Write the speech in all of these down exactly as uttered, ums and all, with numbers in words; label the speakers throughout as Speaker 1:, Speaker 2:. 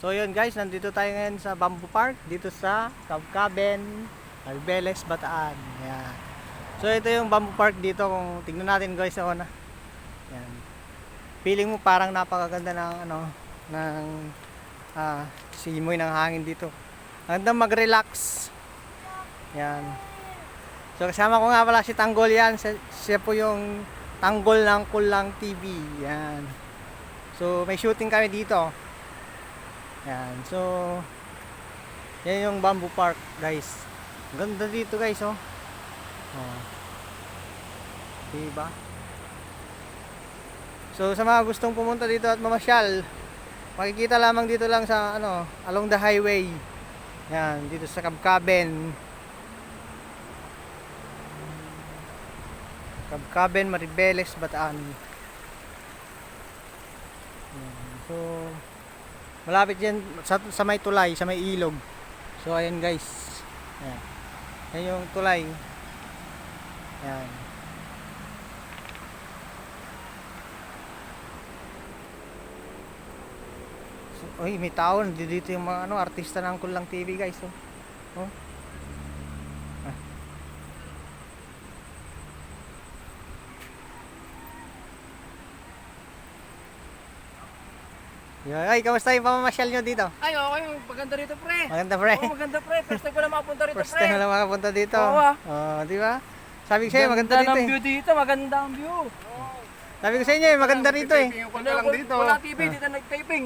Speaker 1: So yun guys, nandito tayo ngayon sa Bamboo Park, dito sa Cabcaben, Albeles, Bataan. Ayan. So ito yung Bamboo Park dito, kung tingnan natin guys ako na. Ayan. Feeling mo parang napakaganda ng ano, ng ah, simoy ng hangin dito. Maganda mag-relax. Ayan. So kasama ko nga pala si Tanggol yan, siya, siya po yung Tanggol ng Kulang T V. Ayan. So may shooting kami dito. Yan. So yan yung Bamboo Park, guys. Ganda dito, guys, oh. Oh. Diba? So sa mga gustong pumunta dito at mamasyal, makikita lamang dito lang sa ano, along the highway. Yan, dito sa Cabcaben. Cabcaben, Maribeles, Bataan. Yan. So malapit yan sa, sa may tulay, sa may ilog. So ayan guys. Ayan. Ayan yung tulay. Ayan. So, oy, may tao dito yung mga ano, artista ng Kulang T V guys. Oh. Oh. Ah. Yeah. Ay, kamusta yung pamamasyal nyo dito?
Speaker 2: Ay, okay. Maganda rito, pre.
Speaker 1: Maganda, pre.
Speaker 2: Oo, maganda, pre. First time ko na makapunta rito,
Speaker 1: First
Speaker 2: pre.
Speaker 1: time na lang makapunta dito.
Speaker 2: Oo, ah.
Speaker 1: Oh, di ba? Sabi ko sa'yo, maganda
Speaker 2: Ganda
Speaker 1: dito
Speaker 2: ng
Speaker 1: eh.
Speaker 2: view dito. Maganda ang view.
Speaker 1: Sabi ko sa inyo, eh, maganda rito eh.
Speaker 2: Wala lang dito. Wala T V, dito nag-taping.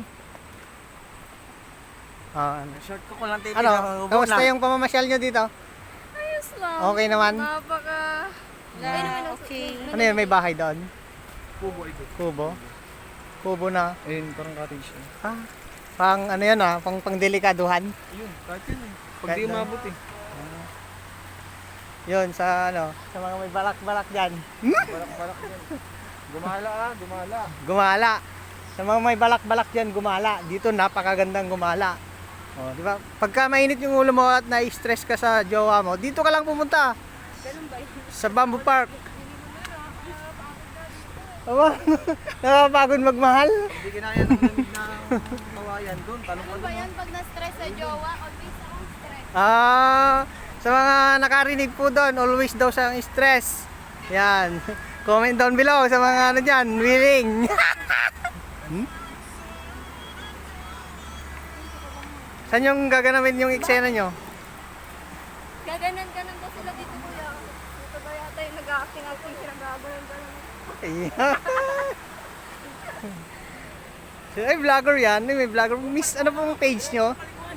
Speaker 1: Ah, ano?
Speaker 2: Short ko ko lang taping.
Speaker 1: Ano? Kamusta yung pamamasyal nyo dito?
Speaker 3: Ayos lang.
Speaker 1: Okay naman?
Speaker 3: Napaka...
Speaker 1: Ah,
Speaker 3: okay.
Speaker 1: Ano yun, may bahay doon?
Speaker 2: Kubo ito.
Speaker 1: Kubo? Kubo na.
Speaker 2: Ayun, parang cottage yun.
Speaker 1: Ah, pang ano yan ah, pang pangdelikaduhan.
Speaker 2: Ayun, kahit yun eh. Pag
Speaker 1: Kahit
Speaker 2: di
Speaker 1: na-
Speaker 2: umabot eh.
Speaker 1: Yun, sa ano, sa mga may balak-balak dyan.
Speaker 2: Balak-balak yan. Gumala ah, gumala.
Speaker 1: Gumala. Sa mga may balak-balak dyan, gumala. Dito, napakagandang gumala. Oh, di ba? Pagka mainit yung ulo mo at na-stress ka sa jowa mo, dito ka lang pumunta.
Speaker 3: Ganun ba yun?
Speaker 1: Sa Bamboo Park. Aba, nakapagod magmahal.
Speaker 2: Hindi kinaya ng lamig na kawayan doon. Talong
Speaker 3: Ano ba yan pag na-stress sa jowa? Always akong stress.
Speaker 1: Ah, sa mga nakarinig po doon, always daw siyang stress. Yan. Comment down below sa mga ano dyan, willing. hmm? Saan yung gaganapin yung eksena nyo?
Speaker 3: Gaganan ka nang sila dito, kuya. Ito ba yata yung nag-acting acting sila gaganan ka lang.
Speaker 1: So, ay, vlogger yan. Ay, may vlogger. Miss, ano pong page nyo?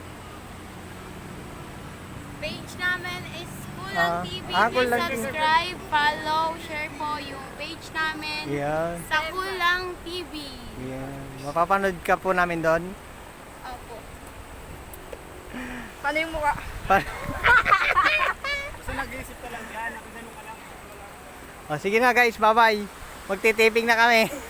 Speaker 3: Page namin is
Speaker 1: Ah,
Speaker 3: Kulang T V.
Speaker 1: ah,
Speaker 3: Please
Speaker 1: Kulang T V.
Speaker 3: subscribe, follow, share po yung page namin
Speaker 1: Yan.
Speaker 3: sa Kulang T V.
Speaker 1: Yan. Mapapanood ka po namin doon.
Speaker 3: Opo. Paano yung mukha?
Speaker 1: Pa-
Speaker 2: Kasi nag-iisip ka lang yan. Nakagano ka lang.
Speaker 1: o, sige na guys, bye-bye. Magtitaping na kami.